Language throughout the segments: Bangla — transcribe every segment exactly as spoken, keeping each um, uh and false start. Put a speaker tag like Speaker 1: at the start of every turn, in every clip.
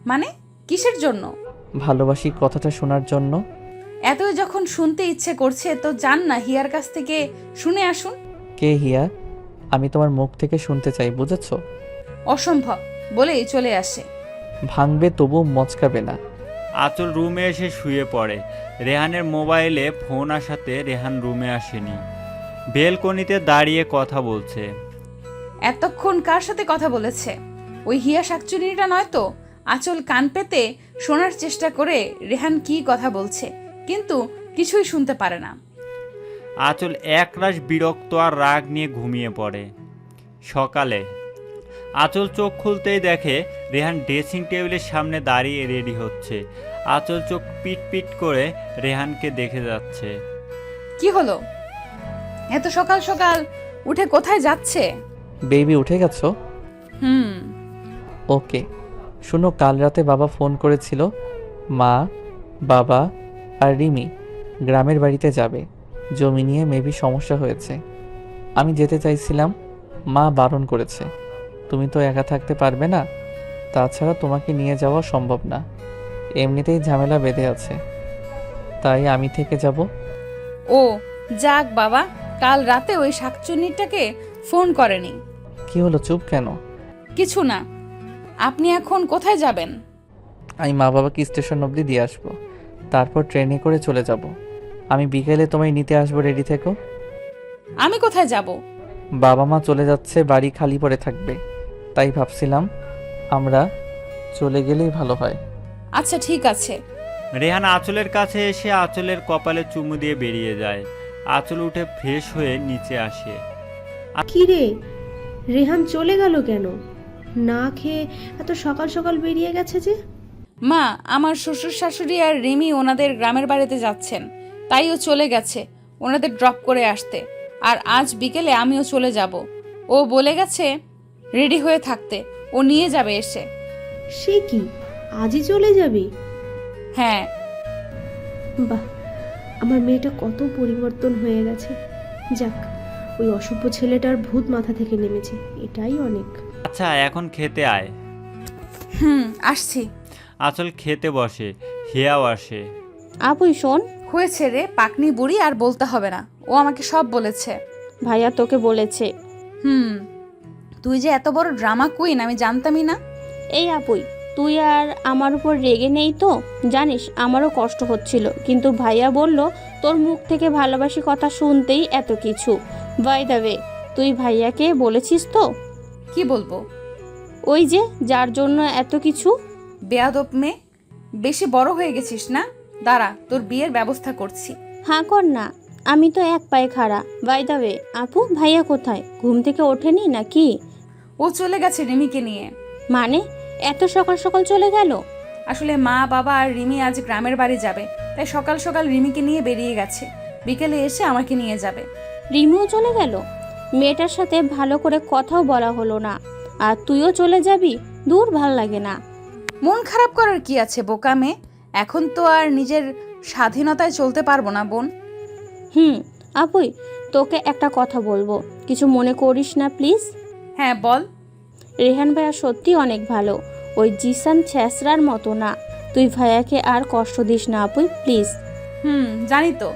Speaker 1: মানে কিসের জন্য?
Speaker 2: ভালোবাসি কথাটা শোনার জন্য।
Speaker 1: এতই যখন শুনতে ইচ্ছে করছে তো যান না হিয়ার কাছ থেকে শুনে আসুন।
Speaker 2: কে হিয়া? আমি তোমার মুখ থেকে শুনতে চাই, বুঝেছো?
Speaker 1: অসম্ভব বলেই চলে আসে।
Speaker 2: ভাঙবে তবু মচকাবে না।
Speaker 3: আঁচল রুমে এসে শুয়ে পড়ে। রেহানের মোবাইলে ফোন আসাতে রেহান রুমে আসেনি, বেলকনিতে দাঁড়িয়ে কথা বলছে।
Speaker 1: এতক্ষণ কার সাথে কথা বলেছে? ওই হিয়া শাকচুনিটা নয় তো? আঁচল কান পেতে শোনার চেষ্টা করে রেহান কি কথা বলছে, কিন্তু কিছুই শুনতে পারে না।
Speaker 3: আঁচল একরাশ বিরক্ত আর রাগ নিয়ে ঘুমিয়ে পড়ে। সকালে আঁচল চোখ খুলতেই দেখে রেহান ড্রেসিং টেবিলের সামনে দাঁড়িয়ে রেডি হচ্ছে। আঁচল চোখ পিট পিট করে রেহানকে দেখে যাচ্ছে।
Speaker 1: কি হলো? এত সকাল সকাল উঠে কোথায় যাচ্ছে?
Speaker 2: বেবি উঠে গেছো?
Speaker 1: হুম।
Speaker 2: ওকে, শুনো, কাল রাতে বাবা ফোন করেছিল। মা, বাবা আর রিমি গ্রামের বাড়িতে যাবে। জমি নিয়ে মেবি সমস্যা হয়েছে। আমি যেতে চাইছিলাম, মা বারণ করেছে। তুমি তো একা থাকতে পারবে না, তাছাড়া তোমাকে নিয়ে যাওয়া সম্ভব না। এমনিতেই ঝামেলা বেঁধে আছে, তাই আমি থেকে যাব।
Speaker 1: ও যাক বাবা, কাল রাতে ওই শাকচুন্নিটাকে ফোন করেনি।
Speaker 2: কি হলো, চুপ কেন?
Speaker 1: কিছু না। আপনি এখন কোথায় যাবেন?
Speaker 2: আমি মা বাবাকে স্টেশন অবধি দিয়ে আসবো, তারপর ট্রেনে করে চলে যাব। আমি বিকেলে তোমায় নিতে আসবো, রেডি থেকো।
Speaker 1: আমি কোথায় যাব?
Speaker 2: বাবা মা চলে যাচ্ছে, বাড়ি খালি পড়ে থাকবে, তাই ভাবছিলাম আমরা চলে গেলেই ভালো হয়।
Speaker 1: আচ্ছা ঠিক আছে।
Speaker 3: রেহান আঁচলের কাছে এসে আঁচলের কপালে চুমু দিয়ে বেরিয়ে যায়। আঁচল উঠে ফ্রেশ হয়ে নিচে আসে।
Speaker 4: কি রে, রেহান চলে গেল কেন? না খেয়ে এত সকাল সকাল বেরিয়ে গেছে যে?
Speaker 1: মা, আমার শ্বশুর শাশুড়ি আর রিমি ওনাদের গ্রামের বাড়িতে যাচ্ছেন, তাই ও চলে গেছে ওনাদের ড্রপ করে আসতে। আর আজ বিকেলে আমিও চলে যাব। ও বলে গেছে রেডি হয়ে থাকতে, ও নিয়ে যাবে এসে।
Speaker 4: সে কি, আজই চলে যাবি?
Speaker 1: হ্যাঁ।
Speaker 4: বাহ, আমার মেয়েটা কত পরিবর্তন হয়ে গেছে। যাক, ওই অসভ্য ছেলেটার ভূত মাথা থেকে নেমেছে, এটাই অনেক।
Speaker 3: আচ্ছা এখন খেতে আয়।
Speaker 1: হুম, আসছি।
Speaker 3: আঁচল খেতে বসে, হিয়াও আসে।
Speaker 5: আপুই শোন।
Speaker 1: হয়েছে রে পাকনি বুড়ি, আর বলতে হবে না, ও আমাকে সব বলেছে।
Speaker 5: ভাইয়া তোকে বলেছে।
Speaker 1: হুম, তুই যে এত বড় ড্রামা কুইন আমি জানতামই না।
Speaker 5: এই আপুই, তুই আর আমার উপর রেগে নেই তো? জানিস আমারও কষ্ট হচ্ছিল, কিন্তু ভাইয়া বলল তোর মুখ থেকে ভালোবাসি কথা শুনতেই এত কিছু। বাই দ্য ওয়ে, তুই ভাইয়াকে বলেছিস তো?
Speaker 1: কি বলবো?
Speaker 5: ওই যে যার জন্য এত কিছু।
Speaker 1: বেয়াদব মেয়ে, বেশি বড় হয়ে গেছিস না? দাঁড়া, তোর বিয়ের ব্যবস্থা করছি।
Speaker 5: হ্যাঁ কর না, আমি তো এক পায়ে খাড়া। বাই দ্য ওয়ে আপু, ভাইয়া কোথায়? ঘুম থেকে ওঠেনি নাকি?
Speaker 1: ও চলে গেছে রিমিকে নিয়ে।
Speaker 5: মানে এত সকাল সকাল চলে গেল?
Speaker 1: আসলে মা বাবা আর রিমি আজ গ্রামের বাড়ি যাবে, তাই সকাল সকাল রিমিকে নিয়ে বেরিয়ে গেছে। বিকেলে এসে আমাকে নিয়ে যাবে।
Speaker 5: রিমিও চলে গেল? মেয়েটার সাথে ভালো করে কথাও বলা হলো না, আর তুইও চলে যাবি? দূর, ভাল লাগে না।
Speaker 1: মন খারাপ করার কি আছে বোকা মেয়ে, এখন তো আর নিজের স্বাধীনতায় চলতে পারবো না বোন।
Speaker 5: হুম আপুই, তোকে একটা কথা বলবো, কিছু মনে করিস না প্লিজ?
Speaker 1: হ্যাঁ বল।
Speaker 5: রেহান ভাইয়া সত্যি অনেক ভালো, ওই জিসান ছ্যাঁচড়ার মতো না। তুই ভাইয়াকে আর কষ্ট দিস না আপুই, প্লিজ।
Speaker 1: হুম, জানি তো।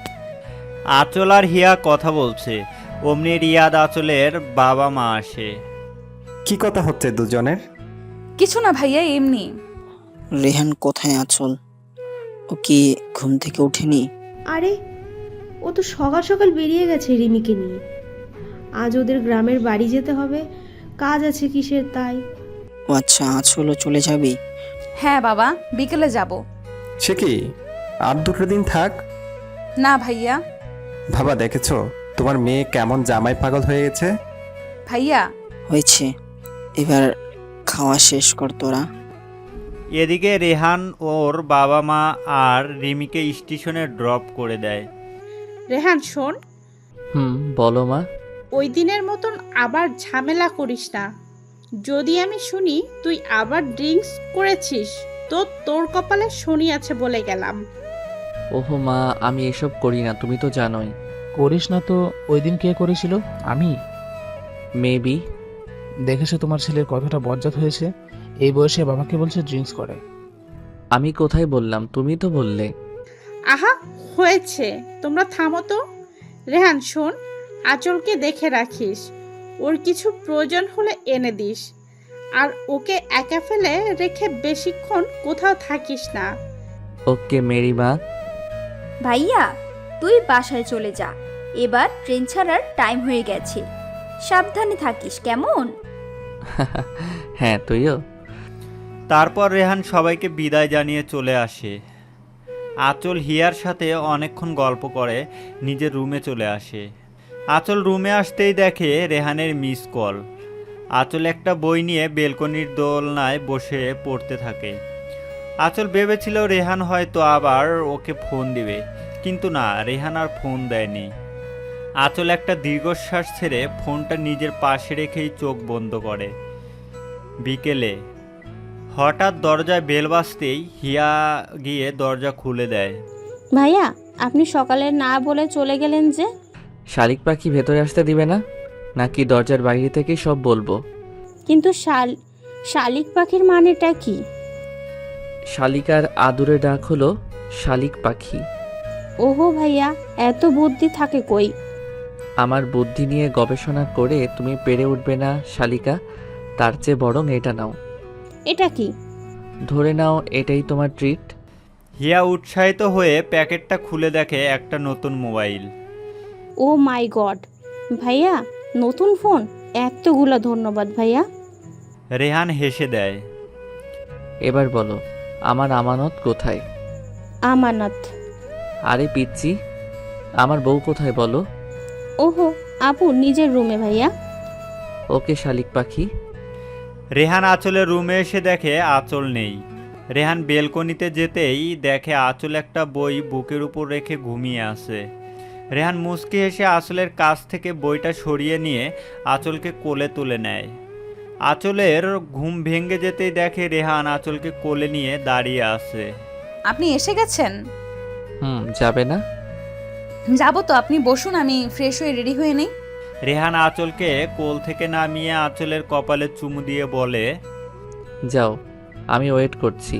Speaker 3: আঁচল আর হিয়া কথা বলছে, অমনি রিয়াদ আঁচলের বাবা মা আসে।
Speaker 6: কি কথা হচ্ছে দুজনের?
Speaker 1: কিছু না ভাইয়া, এমনি।
Speaker 7: রেহান কোথায়? আঁচল ও কি ঘুম থেকে ওঠেনি?
Speaker 4: আরে, ও তো সকাল সকাল বেরিয়ে গেছে রিমিকে নিয়ে। আজ ওদের গ্রামের বাড়ি যেতে হবে, কাজ আছে কিসের তাই।
Speaker 7: ও আচ্ছা, আঁচলও চলে যাবি?
Speaker 1: হ্যাঁ বাবা, বিকেলে যাব।
Speaker 6: সে কি, আর দুটো দিন থাক।
Speaker 1: না ভাইয়া।
Speaker 6: ভাবা দেখেছো তোমার মেয়ে কেমন জামাই পাগল হয়ে গেছে?
Speaker 1: ভাইয়া।
Speaker 7: হয়েছে, এবার খাওয়া শেষ কর তোরা।
Speaker 3: এদিকে রেহান ওর বাবা মা আর রিমিকে স্টেশনে ড্রপ করে দেয়।
Speaker 8: রেহান শোন,
Speaker 2: হুম, বলো মা।
Speaker 8: ওই দিনের মতন আবার ঝামেলা করিস না। যদি আমি শুনি তুই আবার ড্রিঙ্কস করেছিস, তো তোর কপালে শনি আছে বলে গেলাম।
Speaker 2: ওহো মা, আমি এসব করি না, তুমি তো জানোই।
Speaker 9: করিস না তো ওই দিন কে করেছিল? আমি।
Speaker 2: মেবি।
Speaker 9: দেখেছো তোমার ছেলের কতটা বজ্জাত হয়েছে? এই বয়সে বাবাকে বলছে ড্রিঙ্কস করে।
Speaker 2: আমি কোথায় বললাম, তুমি তো বললে।
Speaker 8: আহা হয়েছে, তোমরা থামো তো। রেহান শোন, আঁচলকে দেখে রাখিস, ওর কিছু প্রয়োজন হলে এনে দিস, আর ওকে একা ফেলে রেখে বেশিক্ষণ কোথাও থাকিস না।
Speaker 2: ওকে মেরি মা।
Speaker 10: ভাইয়া তুই বাসায় চলে যা, এবার ট্রেন ছাড়ার টাইম হয়ে গেছে, সাবধানে থাকিস কেমন?
Speaker 2: হ্যাঁ তুইও।
Speaker 3: তারপর রেহান সবাইকে বিদায় জানিয়ে চলে আসে। আঁচল হিয়ার সাথে অনেকক্ষণ গল্প করে নিজের রুমে চলে আসে। আঁচল রুমে আসতেই দেখে রেহানের মিস কল। আঁচল একটা বই নিয়ে বেলকনির দোলনায় বসে পড়তে থাকে। আঁচল ভেবেছিল রেহান হয়তো আবার ওকে ফোন দিবে, কিন্তু না, রেহান আর ফোন দেয়নি। আঁচল একটা দীর্ঘশ্বাস ছেড়ে ফোনটা নিজের পাশে রেখেই চোখ বন্ধ করে। বিকেলে হঠাৎ দরজায় বেল বাজতেই হিয়া গিয়ে দরজা খুলে দেয়।
Speaker 5: ভাইয়া আপনি সকালে না বলে চলে গেলেন যে?
Speaker 2: শালিক পাখি ভেতরে আসতে দিবে না, নাকি দরজার বাইরে থেকেই সব বলবো?
Speaker 5: কিন্তু শাল শালিক পাখির মানেটা কি?
Speaker 2: শালিকার আদুরে ডাক হলো শালিক পাখি।
Speaker 5: ওহো ভাইয়া, এত বুদ্ধি থাকে কই?
Speaker 2: আমার বুদ্ধি নিয়ে গবেষণা করে তুমি পেরে উঠবে না শালিকা, তার চেয়ে বরং এটা নাও।
Speaker 5: এটা কি?
Speaker 2: ধরে নাও এটাই তোমার ট্রিট।
Speaker 3: হিয়া উৎসাহিত হয়ে প্যাকেটটা খুলে দেখে একটা নতুন মোবাইল।
Speaker 5: ও মাই গড, ভাইয়া নতুন ফোন? এতগুলো ধন্যবাদ ভাইয়া।
Speaker 3: রেহান হেসে দেয়।
Speaker 2: এবার বলো আমার আমানত কোথায়?
Speaker 5: আমানত?
Speaker 2: আরে পিচ্ছি, আমার বউ কোথায় বলো?
Speaker 5: ওহো আপু নিজের রুমে ভাইয়া।
Speaker 2: ওকে শালিক পাখি।
Speaker 3: রেহান আঁচলের রুমে এসে দেখে আঁচল নেই। রেহান বেলকনিতে যেতেই দেখে আঁচল একটা বই বুকের উপর রেখে ঘুমিয়ে আছে। রেহান মুচকি হেসে আঁচলের কাছ থেকে বইটা সরিয়ে নিয়ে আঁচলকে কোলে তুলে নেয়। আঁচলের ঘুম ভেঙে যেতেই দেখে রেহান আঁচলকে কোলে নিয়ে দাঁড়িয়ে আছে।
Speaker 1: আপনি এসে গেছেন?
Speaker 2: হুম, যাবে না?
Speaker 1: যাবো তো, আপনি বসুন, আমি ফ্রেশ হয়ে রেডি হয়ে নেই।
Speaker 3: রেহান আঁচলকে কোল থেকে নামিয়ে আঁচলের কপালে চুমু দিয়ে বলে,
Speaker 2: যাও, আমি ওয়েট করছি।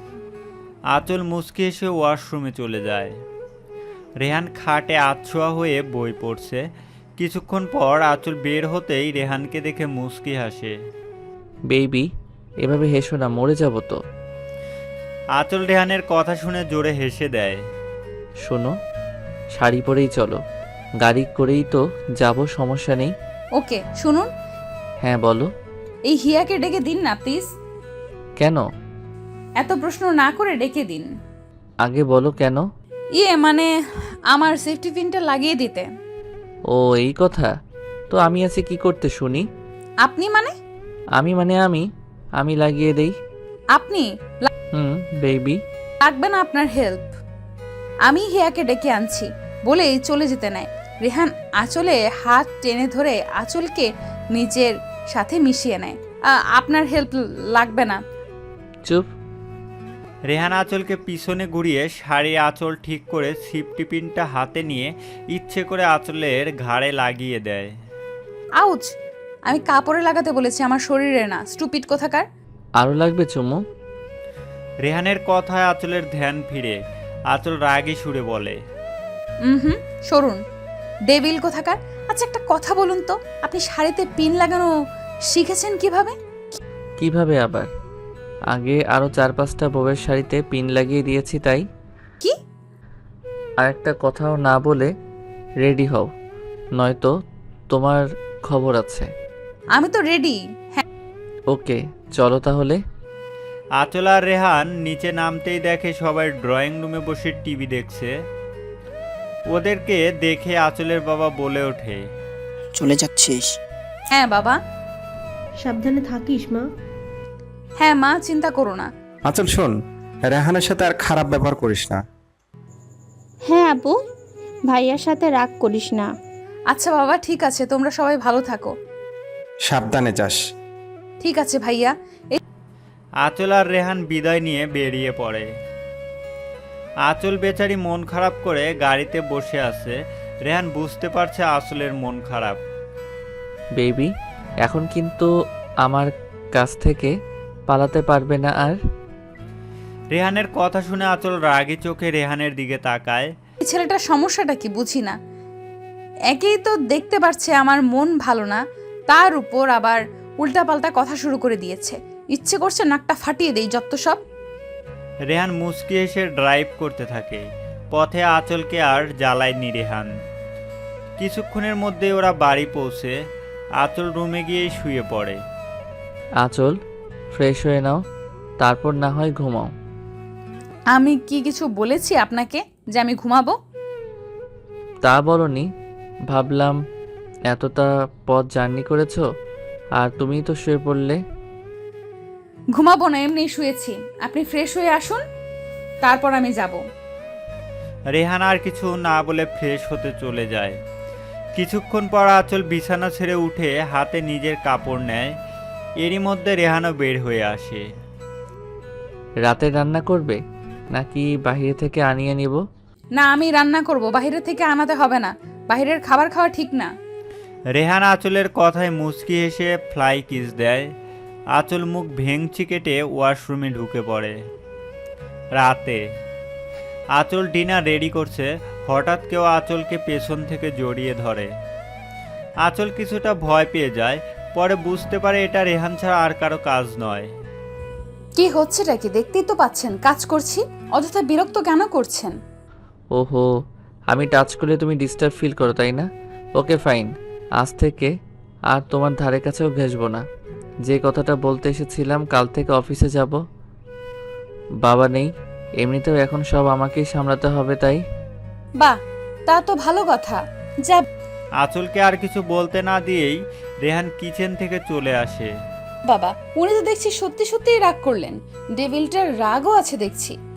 Speaker 3: আঁচল মুচকি হেসে ওয়াশরুমে চলে যায়। রেহান খাটে আছোয়া হয়ে বই পড়ছে। কিছুক্ষণ পর আঁচল বের হতেই রেহানকে দেখে মুচকি হাসে।
Speaker 2: বেবি, এভাবে হেসো না, মরে যাব তো।
Speaker 3: আঁচল রেহানের কথা শুনে জোরে হেসে দেয়।
Speaker 2: শোনো, শাড়ি পরেই চলো, গাড়ি করেই তো যাব, সমস্যা নেই।
Speaker 1: ওকে শুনুন,
Speaker 2: হ্যাঁ বলো।
Speaker 1: এই হিয়াকে ডেকে দিন না প্লিজ।
Speaker 2: কেন?
Speaker 1: এত প্রশ্ন না করে ডেকে দিন।
Speaker 2: আগে বলো কেন?
Speaker 1: ইয়ে মানে আমার সেফটি পিনটা লাগিয়ে দিতে।
Speaker 2: ও এই কথা, তো আমি আছি কি করতে শুনি?
Speaker 1: আপনি মানে?
Speaker 2: আমি মানে আমি আমি লাগিয়ে দেই।
Speaker 1: আপনি?
Speaker 2: হুম বেবি।
Speaker 1: লাগবে না আপনার হেল্প, আমি হিয়াকে ডেকে আনছি বলেই চলে যেতে নেয়। রেহান আঁচলে হাত টেনে ধরে আঁচলকে নিজের সাথে মিশিয়ে নেয়। আ- আপনার হেল্প লাগবে না।
Speaker 2: চুপ।
Speaker 3: রেহান আঁচলকে পিছনে ঘুরিয়ে শাড়ি আঁচল ঠিক করে সিফটি পিনটা হাতে নিয়ে ইচ্ছে করে আঁচলের ঘাড়ে লাগিয়ে দেয়।
Speaker 1: আউচ! আমি কাপড়ে লাগাতে বলেছি, আমার শরীরে না, স্টুপিড কোথাকার।
Speaker 2: আরো লাগবে চুমু?
Speaker 3: রেহানের কথায় আঁচলের ধ্যান ফিরে। আঁচল রাগী সুরে বলে,
Speaker 1: হুম হুম সরুন, ডেভিল কোথাকার। আচ্ছা একটা কথা বলুন তো, আপনি শাড়িতে পিন লাগানো শিখেছেন কিভাবে?
Speaker 2: কিভাবে আবার? আগে আরো চার পাঁচটা বউয়ের শাড়িতে পিন লাগিয়ে দিয়েছি তাই।
Speaker 1: কি?
Speaker 2: আর একটা কথাও না বলে রেডি হও, নয়তো তোমার খবর আছে।
Speaker 1: আমি তো রেডি। হ্যাঁ
Speaker 2: ওকে চলো তাহলে।
Speaker 3: আঁচল আর রেহান নিচে নামতেই দেখে সবাই ড্রয়িং রুমে বসে টিভি দেখছে। ওদেরকে দেখে আঁচলের বাবা বলে ওঠে,
Speaker 7: চলে যাচ্ছিস?
Speaker 1: হ্যাঁ বাবা।
Speaker 4: সাবধানে থাকিস মা।
Speaker 1: হ্যাঁ মা, চিন্তা করো না।
Speaker 6: আঁচল শোন, রেহানের সাথে আর খারাপ ব্যবহার করিস না।
Speaker 5: হ্যাঁ আপু, ভাইয়ার সাথে রাগ করিস না।
Speaker 1: আচ্ছা বাবা ঠিক আছে, তোমরা সবাই ভালো থাকো।
Speaker 6: সাবধানে যাস।
Speaker 1: ঠিক আছে ভাইয়া।
Speaker 3: আঁচল আর রেহান বিদায় নিয়ে বেরিয়ে পড়ে। আঁচল বেচারি মন খারাপ করে গাড়িতে বসে আছে। রেহান বুঝতে পারছে আঁচলের মন খারাপ।
Speaker 2: বেবি, এখন কিন্তু আমার কাছ থেকে পালাতে পারবে না আর।
Speaker 3: রেহানের কথা শুনে আঁচল রাগী চোখে রেহানের দিকে তাকায়।
Speaker 1: এই ছেলেটার সমস্যাটা কি বুঝি না। একেই তো দেখতে পারছে আমার মন ভালো না, তার উপর আবার উল্টাপাল্টা কথা শুরু করে দিয়েছে। ইচ্ছে করছে নাকটা ফাটিয়ে দেই যত সব।
Speaker 3: রেহান মুচকি এসে ড্রাইভ করতে থাকে। পথে আঁচলকে আর জ্বালায়নি রেহান। কিছুক্ষণের মধ্যে ওরা বাড়ি পৌঁছে আঁচল রুমে গিয়ে শুয়ে পড়ে।
Speaker 2: আঁচল, ফ্রেশ হয়ে নাও, তারপর না হয় ঘুমাও।
Speaker 1: আমি কি কিছু বলেছি আপনাকে যে আমি ঘুমাবো?
Speaker 2: তা বলনি, ভাবলাম এতটা পথ জার্নি করেছো আর তুমিই তো শুয়ে পড়লে।
Speaker 1: ঘুমাবো না, এমনি শুয়েছি। আপনি ফ্রেশ হয়ে আসুন, তারপর আমি যাব।
Speaker 3: রেহান আর কিছু না বলে ফ্রেশ হতে চলে যায়। কিছুক্ষণ পর আঁচল বিছানা ছেড়ে উঠে হাতে নিজের কাপড় নেয়। এরই মধ্যে রেহানও বের হয়ে আসে।
Speaker 2: রাতে রান্না করবে নাকি বাইরে থেকে আনিয়ে নিব?
Speaker 1: না, আমি রান্না করব, বাইরে থেকে আনাতে হবে না। বাইরের খাবার খাওয়া ঠিক না।
Speaker 3: রেহান আঁচলের কথায় মুচকি হেসে ফ্লাই কিস দেয়। আঁচল মুখ ভেঙচি কেটে ওয়াশরুমে ঢুকে পড়ে। রাতে আঁচল ডিনার রেডি করছে, হঠাৎ কেউ আঁচলকে পেছন থেকে জড়িয়ে ধরে। আঁচল কিছুটা ভয় পেয়ে যায়, পরে বুঝতে পারে এটা রেহান ছাড়া আর কারো কাজ নয়।
Speaker 1: কি হচ্ছেটা কি দেখতেই তো পাচ্ছেন, কাজ করছি, অযথা বিরক্ত কেন করছেন?
Speaker 2: ওহো, আমি টাচ করলে তুমি ডিস্টার্ব ফিল করো তাই না? ওকে ফাইন, আজ থেকে আর তোমার ধারে কাছেও ঘেসবো না। যে কথাটা বলতে এসেছিলাম, কাল থেকে অফিসে যাব। বাবা নেই, এমনিতেও এখন সব আমাকেই সামলাতে হবে, তাই।
Speaker 1: বাহ, তা তো ভালো কথা। যা।
Speaker 3: আঁচলকে আর কিছু বলতে না দিয়েই রেহান কিচেন থেকে চলে আসে।
Speaker 1: বাবা, উনি তো দেখছি সত্যি সত্যিই রাগ করলেন। ডেভিলটার রাগও আছে দেখছি।